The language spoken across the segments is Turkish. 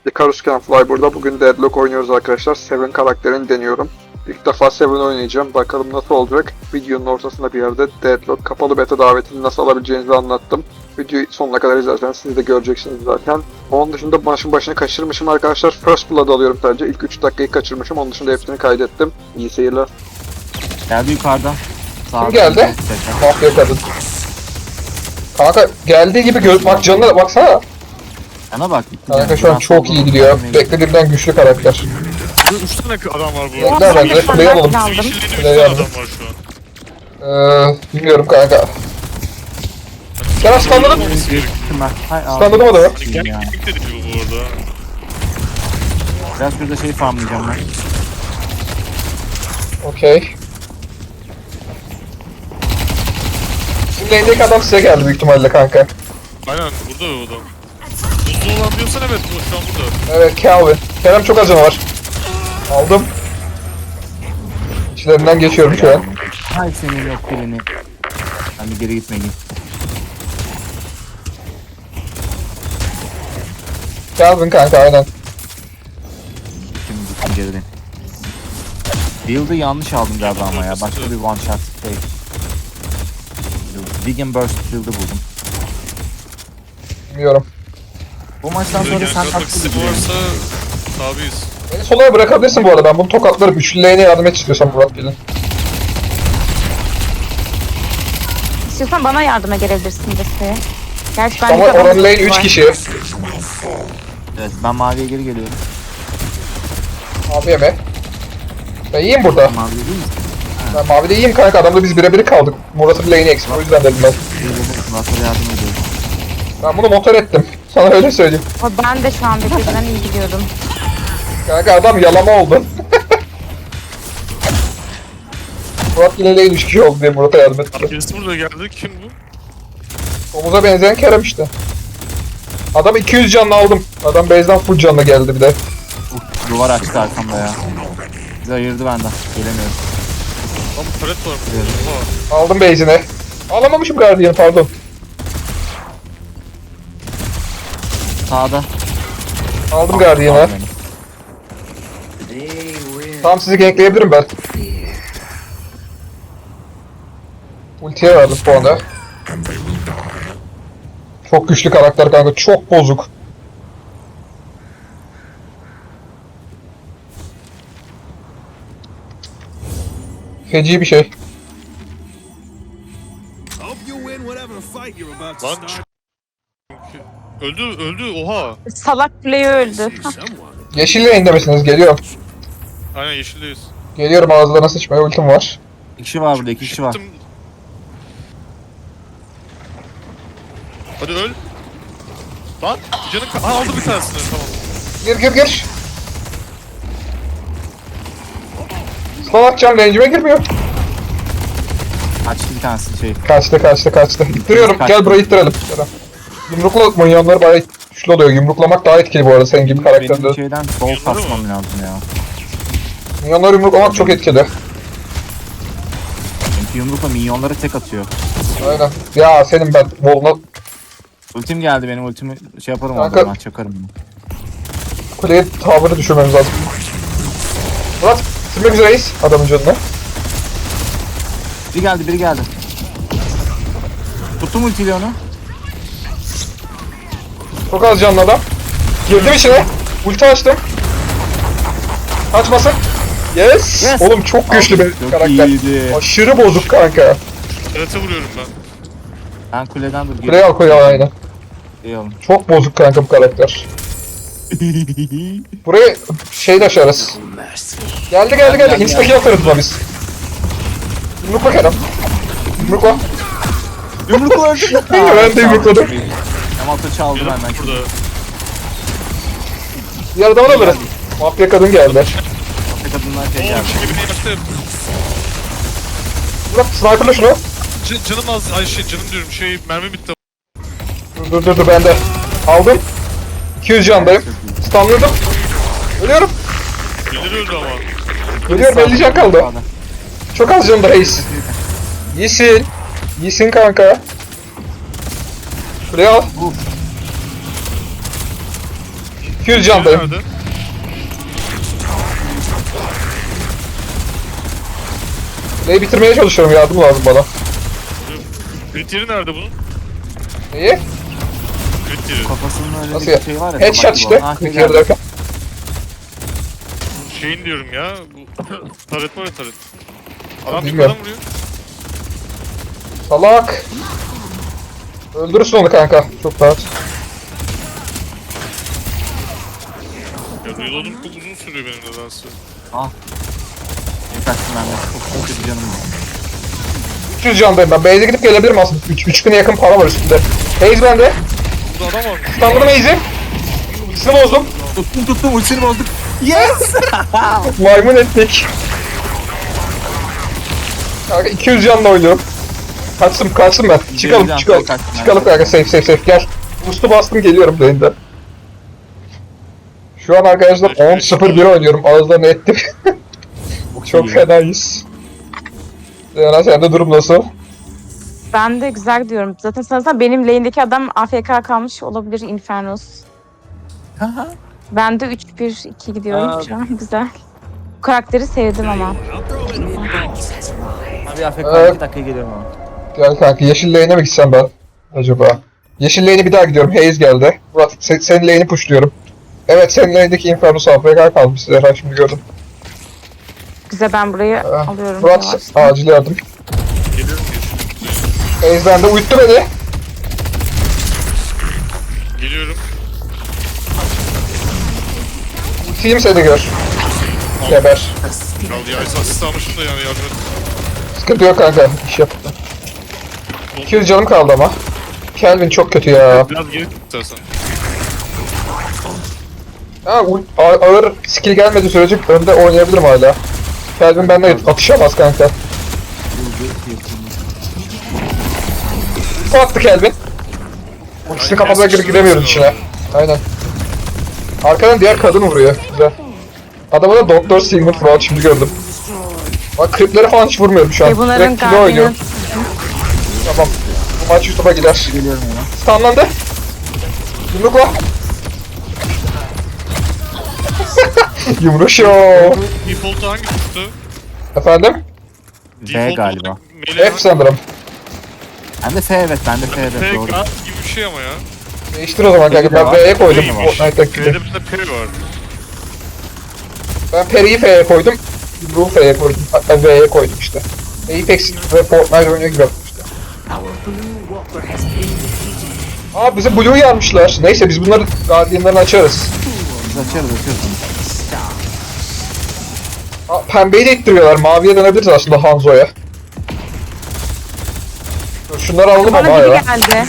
Icarus Can Fly burada. Bugün Deadlock oynuyoruz arkadaşlar. Seven karakterini deniyorum. İlk defa Seven oynayacağım. Bakalım nasıl olacak. Videonun ortasında bir yerde Deadlock kapalı beta davetini nasıl alabileceğinizi anlattım. Videoyu sonuna kadar izlerseniz siz de göreceksiniz zaten. Onun dışında maçın başını kaçırmışım arkadaşlar. First Blood alıyorum sadece. İlk 3 dakikayı kaçırmışım. Onun dışında hepsini kaydettim. İyi seyirler. Geldi yukarıdan. Kim geldi? Mafya kadın. Kanka geldiği gibi bak canına baksana. Yana bak. Kanka şu an çok iyi gidiyor. Beklediğimden güçlü karakter. 3 tane adam var bu arada. Bekler bence. Play alalım. Yeşilliğinde 3 Play tane alalım. adam var şu an. Bilmiyorum kanka. Sen standladın mı? Standladın adamı. Hani gerçeklik de değil bu arada. Biraz şurada şey farmlayacağım ben. Okey. Şimdi elindeki adam size geldi büyük ihtimalle kanka. Aynen burada o adam. Buzlu olan diyorsan evet bu şu an burada. Evet Calvin. Kerem çok az canı var. Aldım. İçlerinden geçiyorum şu an. Hay senin yok birini. Ben bir geri gitmeliyim. Calvin kanka aynen. Şimdi gittim geriden. Build'ı yanlış aldım galiba ama ya. Başka bir one shot şey. Dig and Burst build'ı buldum. Bilmiyorum. Bu maçtan sonra Yani sen katmak haklı istedim gidiyorsun. varsa tabiiz. Beni solaya bırakabilirsin bu arada. Ben bunu tokatlarım. Üçlüleğine yardım et istiyorsan Murat gelin. İstiyorsan bana yardıma gelebilirsin desteğe. Gerçi ben Ama oranın lane 3 kişi. Evet ben maviye geri geliyorum. Abi yeme. Ben iyiyim burada. Mavi değil mi? Ben mavide iyiyim kanka. Adamla biz birebir kaldık. Murat'ın lane'i eksik. O yüzden dedim ben. Murat'a yardım ediyorum. Ben bunu motor ettim. Sana öyle söyleyeyim. Ama ben de şu an birbirinden iyi gidiyordum. Kanka adam yalama oldu. Murat yine lane 3 kişi oldu diye Murat'a yardım etti. Birisi burada geldi. Kim bu? Omuza benzeyen Kerem işte. Adam 200 canlı aldım. Adam base'den full canlı geldi bir de. Duvar açtı arkamda ya. Bizi ayırdı benden. Gelemiyorum. Lan bu palet var burada. Aldım base'ine. Alamamışım Guardian pardon. Sağda. Aldım Guardian'ı. Aldı beni. Tamam sizi gankleyebilirim ben. Ultiye verdim bu anda. Çok güçlü karakter kanka, çok bozuk. Feci bir şey. Lan öldü oha. Salak play öldü. Yeşil lane'de misiniz? Geliyorum. Aynen yeşildeyiz. Geliyorum, ağızlarına sıçmaya ultim var. İki kişi var burada, iki kişi var. Çıktım. Hadi öl. Lan canın aldı bir tanesini tamam. Gir. Stun atacağım, range'ime girmiyor. Açtı bir tanesi şey. Kaçtı. İttiriyorum, gel burayı ittirelim. Yumrukla minyonları bayağı güçlü oluyor. Yumruklamak daha etkili bu arada senin gibi Benim karakterde. şeyden sol kasmam lazım ya. Minyonları yumruklamak çok etkili. Çünkü yumrukla minyonları tek atıyor. Aynen. Ya senin ben Vol'una Ultim geldi, benim ultimi şey yaparım Kanka. orada, ben çakarım bunu. kuleye tavrı düşürmemiz lazım. Murat, silmek üzereyiz adamın canını. Biri geldi. Tuttum ultiyle onu. Çok az canlı adam. Girdim içine. Ulti açtım. Kaçmasın. Yes. Yes. Oğlum çok güçlü bir Çok karakter. iyiydi. Aşırı bozuk kanka. Palete vuruyorum ben. Ben kuleden dur. Kuleye al aynen. İyi olun. Çok bozuk kanka bu karakter. Burayı şeyle aşarız. Geldi. Insta'ki atarız buna biz. Yumrukla Kerem. Yumrukla. Yumrukla öldü. Ben de yumrukladım. Yamalta çaldı Canım benden. burada. Diğer adamı da alırız. Mafya kadın geldi. Afk kadınlar şey Oo geldi. şimdi beni yaktı. Murat sniperla şunu. Canım az ay canım diyorum mermi bitti. Dur bende. Aldım. 200 candayım. Stunladım. Ölüyorum. Birileri öldü ama. Ölüyorum, 50 can kaldı. Çok az canım da reis. İyisin kanka. Buraya al. 200 candayım. Nerede? Neyi bitirmeye çalışıyorum, yardım lazım bana. Kriteri nerede bunun? Neyi? Kriteri. Kafasının öyle Nasıl bir ya? şey var ya. Headshot tabak işte. gibi olan. Ha, Bir güzel. kere derken. Şeyin diyorum ya. Bu taret var ya taret. Adam bir Bilmiyorum. adam vuruyor. Salak. Öldürürsün onu kanka. Çok rahat. Ya reload'um çok uzun sürüyor benim nedense. Ah. Yetersin ben de. Çok kötü canım. 300 candayım ben. Base'e gidip gelebilirim aslında. 3000'e yakın para var üstünde. Haze bende. Burada adam var. Standladım Haze'i. İkisini bozdum. Tuttum ultisini bozduk. Yes! Maymun ettik. Kanka 200 canla oynuyorum. Kaçtım ben. Çıkalım can, çıkalım. kaçtım ben. Çıkalım kanka, safe gel. Boost'u bastım, geliyorum lane'den. Şu an arkadaşlar 10-0-1 oynuyorum. Ağızlarını ettim. Çok iyi. fenayız. Zeynep sende durum nasıl? Ben de güzel gidiyorum. Zaten sanırsam benim lane'deki adam AFK kalmış olabilir, Infernos. Haha. Ben de 3-1-2 gidiyorum Aa. şu an. Güzel. Bu karakteri sevdim ama. Abi AFK Evet. 2 dakika geliyorum ama. Gel kanka, yeşil lane'e mi gitsem ben? Acaba? Yeşil lane'e bir daha gidiyorum. Haze geldi. Murat senin lane'i pushluyorum. Evet, senin lane'deki Infernos AFK kalmış Zehra, şimdi gördüm. Güzel, ben burayı alıyorum. Murat yavaştan. acil yardım. Geliyorum Haze bende, uyuttu beni. Geliyorum. Film seni gör. Geber. Kaldı ya. Asist almışım da yani yardım et. Sıkıntı yok kanka, iş yap. 200 canım kaldı ama. Kelvin çok kötü ya. Biraz geri tut istersen. Ha, ağır skill gelmediği sürece önde oynayabilirim hala. Kelvin bende atışamaz kanka. Ne attı Kelvin? Ultisini kafasına girip gidemiyoruz içine. Aynen. Arkadan diğer kadın vuruyor. Güzel. Adama da Doktor Sigmund Freud, şimdi gördüm. Bak creep'lere falan hiç vurmuyorum şu an. Bunların Direkt kilo oynuyorum. Guardian'ı Tamam. Bu maç YouTube'a gider. Geliyorum ya. Stunlandı. Yumrukla. Yumruk show. Default'u hangi tuttu? Efendim? B galiba. F sanırım. Ben de F evet, ben de F evet, P doğru. gibi bir şey ama ya. Değiştir o zaman kanka. Ben V'ye koydum. P var. Fortnite'daki P'de gibi. bir de P var. Ben Peri'yi F'ye koydum. Yumruğu F'ye koydum. Hatta V'ye koydum işte. Apex ve Fortnite oynuyor gibi yaptım işte. Aa, bize Blue'yu yarmışlar. Neyse, biz bunları Guardian'larını açarız. Biz açarız. Aa, pembeyi de ittiriyorlar. Maviye dönebiliriz aslında Hanzo'ya. Dur, şunları alalım ama Bana biri ya. geldi.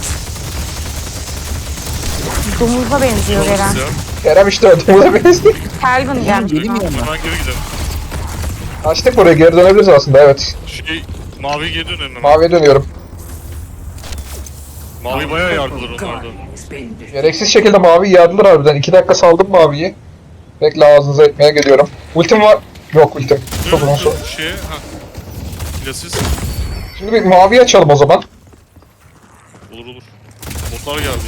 Domuza benziyor Eren. Ya. Kerem işte ödümüze benziyor. Kelvin gelmiş. Geleyim mi Ha. yanına? Hemen geri gidelim. Açtık burayı, geri dönebiliriz aslında, evet. Şey, mavi geri dönelim hemen. Maviye dönüyorum. Mavi bayağı yardılar onlardan. Gereksiz şekilde mavi yardılar harbiden. 2 dakika saldım maviyi. Bekle, ağzınıza etmeye geliyorum. Ultim var. Yok ultim. Çok uzun süre. Şeye, ha. Plasis. Şimdi bir maviyi açalım o zaman. Olur. Botlar geldi.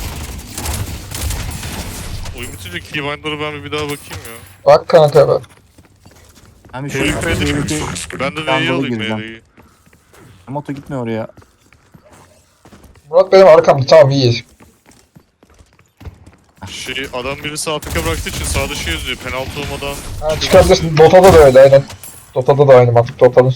Oyun bitince keybind'ları ben bir daha bakayım ya. Bak kanka ben. Ben bir şu P'yi P'de F'deki ben de V'yi Dandalı alayım gireceğim. V'yi. moto gitmiyor oraya. Murat benim arkamda, tamam iyi. Şey, adam birisi AFK bıraktığı için sağda şey yazıyor. Penaltı olmadan. Ha, çıkabilirsin. Dota'da da öyle aynen. Dota'da da aynı mantık. Dota'nın.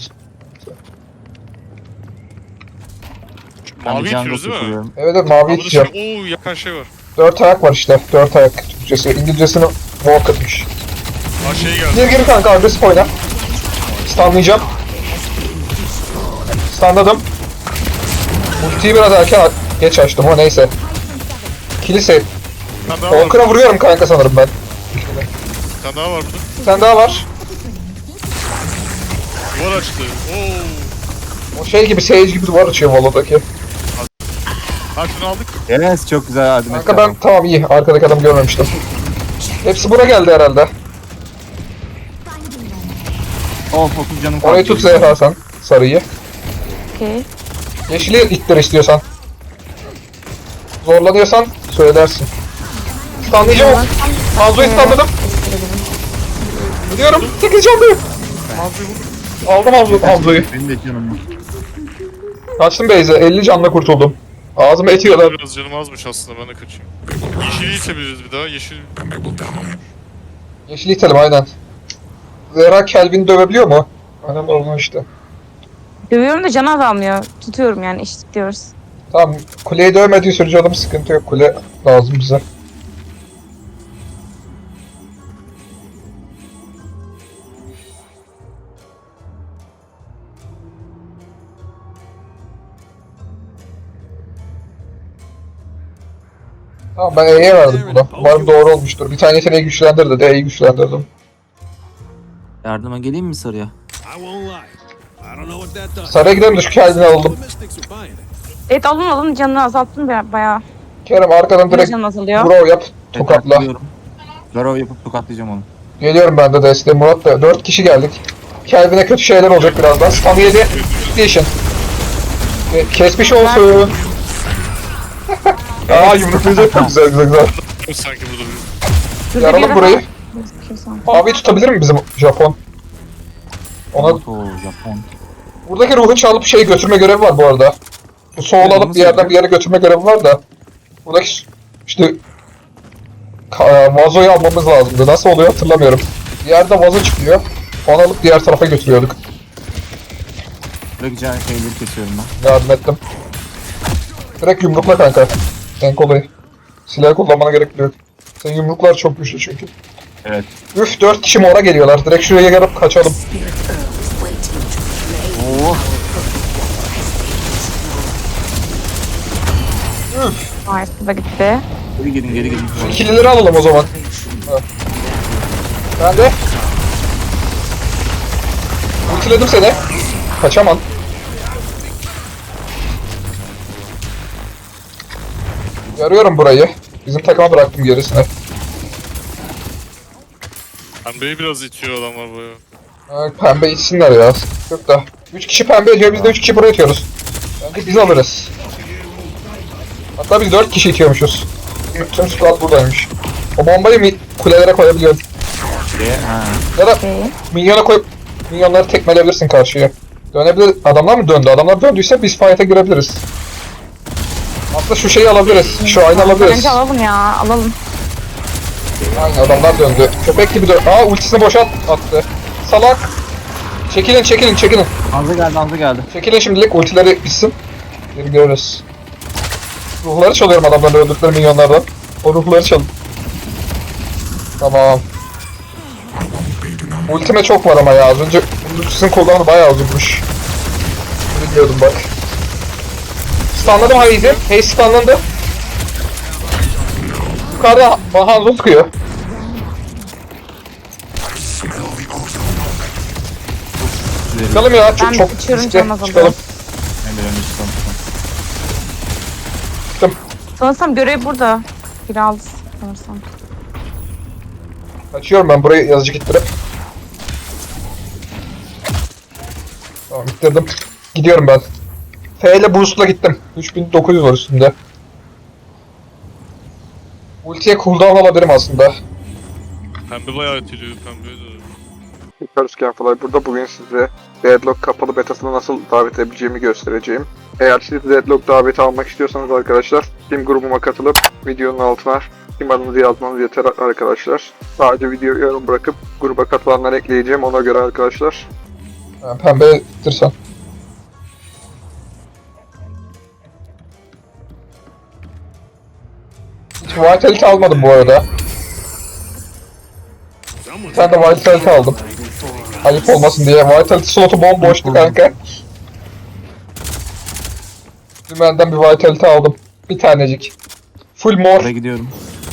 Ben Mavi bir can itiyoruz değil mi? kuruyorum. Evet evet, mavi Burada iteceğim. şey, ooo yakan şey var. 4 ayak var işte. 4 ayak Türkçesi. İngilizcesini walk atmış. Ha şey geldi. Gir kanka, agresif oyna. Stunlayacağım. Stunladım. Ultiyi biraz erken geç açtım, o neyse. Kilise. Bir tane daha var. Walker'a vuruyorum kanka sanırım ben. Bir tane daha var burada. Bir tane daha var. Duvar açtı. Oo. O şey gibi, Sage gibi duvar açıyor Volo'daki. Ha şunu aldık. Yes, çok güzel yardım etti Kanka ben adam. tamam, iyi. Arkadaki adamı görmemiştim. Hepsi buna geldi herhalde. Of 30 canım kaldı. Orayı tut Zehra sen. Sarıyı. Okey. Yeşili ittir istiyorsan. Zorlanıyorsan söylersin. Stunlayacağım. Hanzo'yu stunladım. Gidiyorum. 8 canlıyım. Aldım Hanzo'yu. Benim de canım var. Kaçtım Beyze. 50 canla kurtuldum. Ağzıma etiyorlar. Biraz canım azmış aslında, ben de kaçayım. Yeşili itebiliriz bir daha. Yeşil... Yeşil itelim aynen. Zehra Kelvin'i dövebiliyor mu? Aynen olmuş işte. Dövüyorum da can azalmıyor. Tutuyorum yani eşit diyoruz. Tamam. Kuleyi dövmediği sürece adam sıkıntı yok. Kule lazım bize. Tamam ben E'ye verdim buna. Umarım doğru olmuştur. Bir tane yeteneği güçlendir dedi. E'yi güçlendirdim. Yardıma geleyim mi sarıya? Saraya gidelim de şu Kelvin'i alalım. Evet alın canını azalttın bayağı. Kerem arkadan direkt Canın azalıyor. Brawl yap. Tokatla. Tokatlıyorum. Garov yapıp tokatlayacağım onu. Geliyorum ben de desteğe. Murat da 4 kişi geldik. Kelvin'e kötü şeyler olacak birazdan. Stun yedi. Station. Kesmiş olsun. Aa yumruklayacak çok güzel güzel. Sanki burada bir... Şurada Yaralım bir yere burayı. bak. Gözüküyor. Abi tutabilir mi bizim Japon? Ona Oto, Japon. buradaki ruhu çalıp şeyi götürme görevi var bu arada. Bu soğul Evet, alıp onu bir yerden söyleyeyim. bir yere götürme görevi var da. Buradaki işte vazoyu almamız lazımdı. Nasıl oluyor hatırlamıyorum. Bir yerde vazo çıkıyor. Onu alıp diğer tarafa götürüyorduk. Bırakacağın şeyleri kesiyorum ben. Yardım ettim. Direkt yumrukla kanka. En kolayı. Silah kullanmana gerek yok. Senin yumruklar çok güçlü çünkü. Evet. Üf 4 kişi mora geliyorlar. Direkt şuraya gelip kaçalım. Oo. Harika da gitti. Geri gidin geri gidin. İkilileri alalım o zaman. Ha. Ben de. Ultiledim seni. Kaçamam. Yarıyorum burayı. Bizim takıma bıraktım gerisini. Pembeyi biraz itiyor adamlar böyle. Ha, pembe içsinler ya. Yok da. 3 kişi pembe ediyor, biz de 3 kişi buraya itiyoruz. Bence biz alırız. Hatta biz 4 kişi itiyormuşuz. Tüm squad buradaymış. O bombayı kulelere koyabiliyorum. Ha. Ya da Okey. minyona koyup minyonları tekmeleyebilirsin karşıya. Dönebilir. Adamlar mı döndü? Adamlar döndüyse biz fight'a girebiliriz. Aslında şu şeyi alabiliriz. Şu aynı alabiliriz. Bence alalım ya alalım. Aynen adamlar döndü. Köpek gibi döndü. Aa ultisini boşa attı. Salak. Çekilin çekilin çekilin. Hamza geldi Hamza geldi. Çekilin şimdilik ultileri bitsin. Geri görürüz. Ruhları çalıyorum adamların öldürdükleri minyonlardan. O ruhları çalın. Tamam. Ultime çok var ama ya. Az önce ultisinin cooldown'u bayağı uzunmuş. Biliyordum bak. Stunladım Hayes'i. Hayes stunlandı. Yukarıda Hanzo sıkıyor. Çıkalım ya. Çok Ben çok kaçıyorum, riskli. canım azalıyor. Çıkalım. Ben de önce çıkalım. Çıktım. Sanırsam görev burada. Biri aldı sanırsam. Açıyorum ben burayı yazıcı gittirip. Tamam ittirdim. Gidiyorum ben. F ile boost'la gittim. 3900 var üstünde. Ultiye cooldown alabilirim aslında. Pembe bayağı itiliyor, pembe de. Yukarı Scanfly burada. Bugün size Deadlock kapalı betasına nasıl davet edebileceğimi göstereceğim. Eğer siz Deadlock daveti almak istiyorsanız arkadaşlar, Steam grubuma katılıp videonun altına Steam adınızı yazmanız yeter arkadaşlar. Sadece videoyu yorum bırakıp gruba katılanları ekleyeceğim ona göre arkadaşlar. Yani pembe ittirsen. Hiç Vitality almadım bu arada. Bir tane de Vitality aldım. Ayıp olmasın diye. Vitality slotu bomboştu kanka. Dümenden bir Vitality aldım. Bir tanecik. Full mor. Oraya gidiyorum.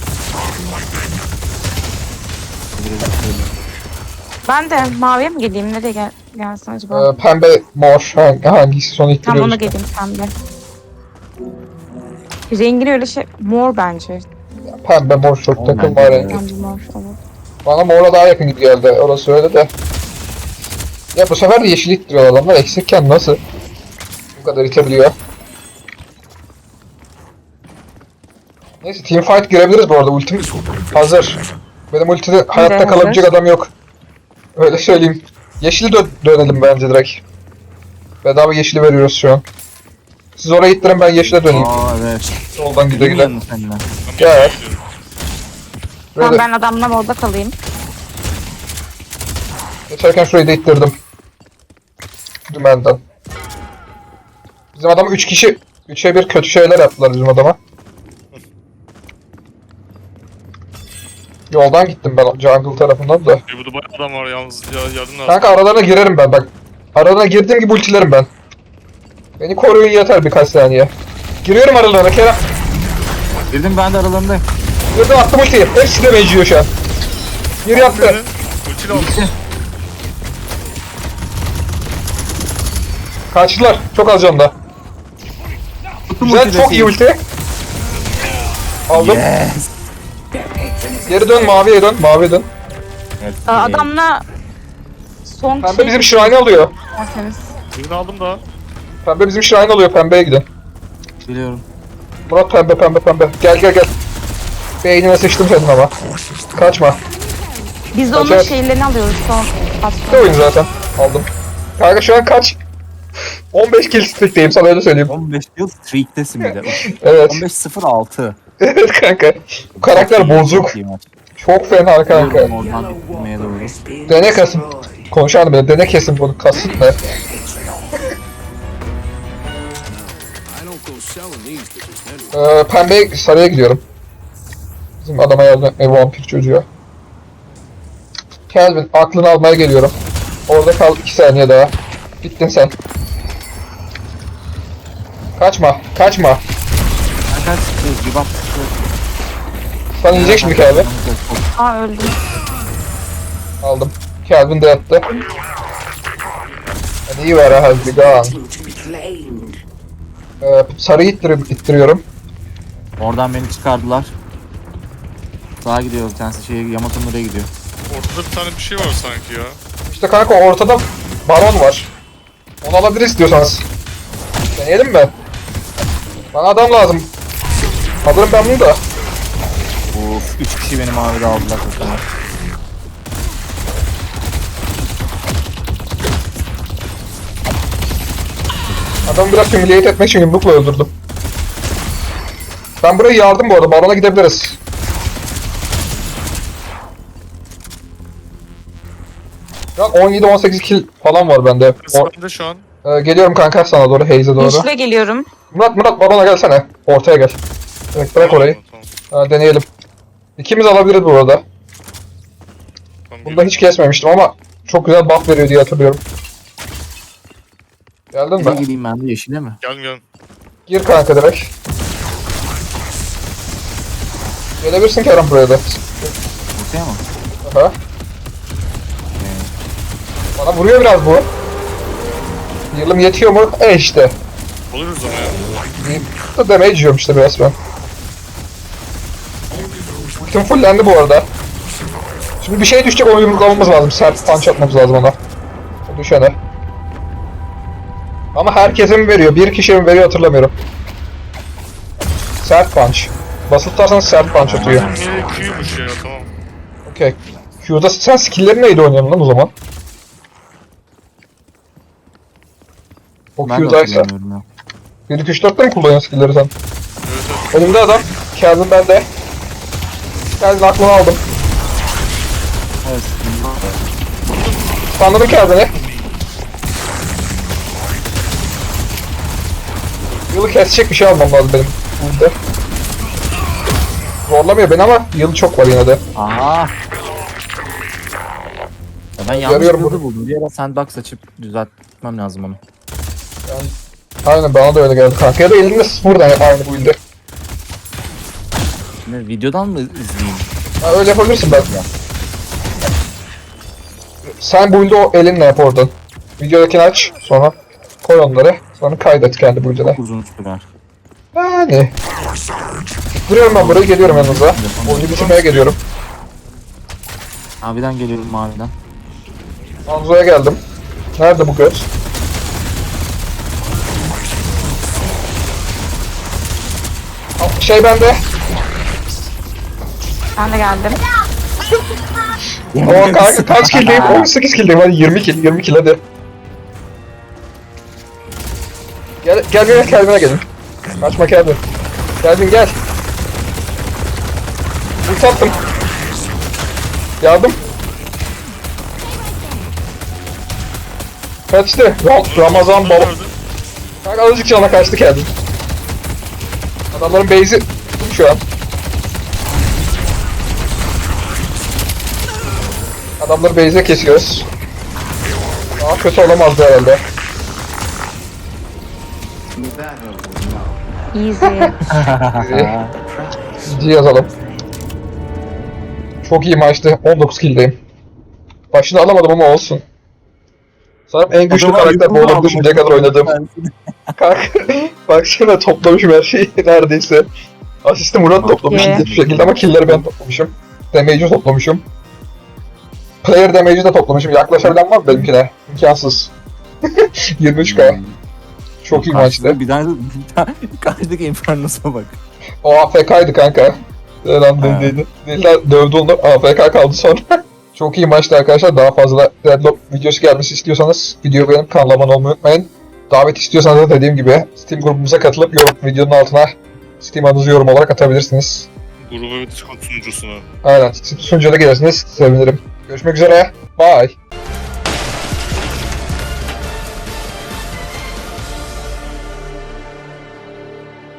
Ben de maviye mi geleyim? Nereye gelsin acaba? Pembe mor. Hangisi son Tam ittiriyoruz. ona geleyim pembe. Rengini öyle şey... Mor bence. Pembe mor çok Oğlum takılma bence de rengi. Bence mor olur. Bana mora daha yakın gibi geldi. Orası öyle de. Ya bu sefer de yeşil ittiriyor adamlar. Eksikken nasıl bu kadar itebiliyor? Neyse teamfight girebiliriz bu arada. Ultim hazır. Benim ultide hayatta hazır. kalabilecek adam yok. Öyle söyleyeyim. Yeşili dönelim bence direkt. Bedava yeşili veriyoruz şu an. Siz oraya ittirin, ben yeşile döneyim. Aa evet. Soldan güle güle. Bilmiyorum seninle. Ben Gel. yeşile gidiyorum. Tamam Böyle ben adamla orada kalayım. geçerken şurayı da ittirdim. Dümenden. Bizim adam 3 kişi 3'e 1 kötü şeyler yaptılar bizim adama. Yoldan gittim ben jungle tarafından da. Burada bayağı adam var yalnız ya, yardım lazım. Kanka aralarına girerim ben bak. Aralarına girdiğim gibi ultilerim ben. Beni koruyun yeter birkaç saniye. Giriyorum aralarına Kerem. Girdim ben de aralarındayım. Girdim attım ultiyi. Hepsi de meciyor şu an. Bir yaptı. Ultiyle aldım. Kaçtılar. Çok az canlı. Güzel, çok iyi ulti. Aldım. Yes. Geri dön, maviye dön, maviye dön. Evet, Adamla son Pembe bizim shrine alıyor. derseniz. Birini aldım da. Pembe bizim shrine alıyor, pembeye gidin. Biliyorum. Murat pembe, pembe, pembe. Gel gel gel. Beynime sıçtım senin ama. Kaçma. Biz de onun Kaçar. şeylerini alıyoruz son Ne patron. oyun zaten. Aldım. Kanka şu an kaç? 15 kill streak'teyim, sana öyle söyleyeyim. 15 yıl streak'tesin bir de. Evet. 15-0-6. Evet kanka. Bu karakter bozuk. Çok iyi maç. Çok fena kanka. Yürüyorum oradan gitmeye doğru. Dene kasım. Konuşalım bile. Dene kesin bunu. Kasıt ne? Pembe sarıya gidiyorum. Bizim adama yardım vampir çocuğa. Kelvin aklını almaya geliyorum. Orada kal 2 saniye daha. Bittin sen. Kaçma, kaçma. Kaç bir bak. Sana yiyecek şimdi Kelvin. Aa öldüm. Aldım. Kelvin de yattı. Hadi iyi ver ha, hadi gone. Sarıyı ittiriyorum. Oradan beni çıkardılar. Sağa gidiyor bir tanesi Yamato'nun oraya gidiyor. Ortada bir tane bir şey var sanki ya. İşte kanka ortada baron var. Onu alabiliriz istiyorsanız. Deneyelim mi? Bana adam lazım. Alırım ben bunu da. Of 3 kişi beni mavide aldılar. Adamı biraz humiliate etmek için yumrukla öldürdüm. Ben buraya yardım bu arada. Barona gidebiliriz. Şu an 17-18 kill falan var bende. Ben de şu an. Geliyorum kanka sana doğru, Haze'e doğru. Yeşile geliyorum. Murat barona gelsene. Ortaya gel. Evet, bırak orayı. Tamam. Deneyelim. İkimiz alabiliriz bu arada. Tamam, Bunda hiç kesmemiştim ama çok güzel buff veriyor diye hatırlıyorum. Geldin Ne mi? gideyim ben de yeşile mi? Gelin. Gir kanka direkt. Gelebilirsin Kerem buraya da. Ortaya mı? Aha. Bana vuruyor biraz bu. Yılım yetiyor mu? İşte. Oluruz ama ya. Da damage yiyorum işte biraz ben. Ultim fullendi bu arada. Şimdi bir şey düşecek, onu yumruklamamız lazım. Sert punch atmamız lazım ona. O düşene. Ama herkese mi veriyor? Bir kişiye mi veriyor hatırlamıyorum. Sert punch. Basılı tutarsanız sert punch atıyor. Q'ymuş ya, tamam. Okey. Q'da sen skill'leri neydi oynuyorsun lan o zaman? O Ben de Q'daysa. hatırlamıyorum ya. 1 2 3 4'te mi kullanıyorsun skill'leri sen? Evet. Önümde adam. Kelvin bende. Kelvin aklını aldım. Evet. Anladım Kelvin'i. Yılı kesecek bir şey almam lazım benim. Burada. Zorlamıyor beni ama yılı çok var yine de. Aha. Ya ben yanlış Görüyorum build'i bunu. buldum. Bir ara sandbox açıp düzeltmem lazım onu. Aynen bana da öyle geldi kanka. Ya da elimde sıfırdan aynı bu ilde. Ne, videodan mı izleyeyim? Ha, öyle yapabilirsin belki. Sen bu ilde o elinle yap oradan. Videodakini aç sonra koy onları. Sonra kaydet kendi bu ilde. Uzun sürer. Yani. Duruyorum ben buraya, geliyorum yanınıza. Oyunu bitirmeye geliyorum. Maviden geliyorum maviden. Anzo'ya geldim. Nerede bu göz? Şey bende. Ben de geldim. O kanka kaç killdeyim? 18 killdeyim, hadi 20 kill, 20 kill hadi. Gel Kelvin'e gelin. Kaçma Kelvin. Kelvin gel. Ulti attım. Yardım. Kaçtı. Ramazan baba. Kanka azıcık cana kaçtı Kelvin. Adamların base'i şu an. Adamları base'e kesiyoruz. Daha kötü olamazdı herhalde. Easy. GG yazalım. Çok iyi maçtı. 19 killdeyim. Başını alamadım ama olsun. Sanırım en güçlü karakter bu olabilir şimdiye kadar oynadığım. Kanka baksana toplamışım her şeyi neredeyse. Asisti Murat toplamış Okay. hiçbir şekilde ama killleri ben toplamışım. Damage'i toplamışım. Player damage'i de toplamışım. Yaklaşabilen var mı benimkine? İmkansız. 23k. Çok iyi maçtı. Bir tane karşıdaki Inferno'sa bak. O AFK'ydı kanka. Lan Ha. dediydi. Deliler dövdü onu. AFK kaldı sonra. Çok iyi maçtı arkadaşlar. Daha fazla Deadlock videosu gelmesi istiyorsanız videoyu beğenip kanala abone olmayı unutmayın. Davet istiyorsanız da dediğim gibi Steam grubumuza katılıp videonun altına Steam adınızı yorum olarak atabilirsiniz. Grubu ve Discord sunucusuna. Aynen. Sunucuya da gelirsiniz. Sevinirim. Görüşmek üzere. Bye.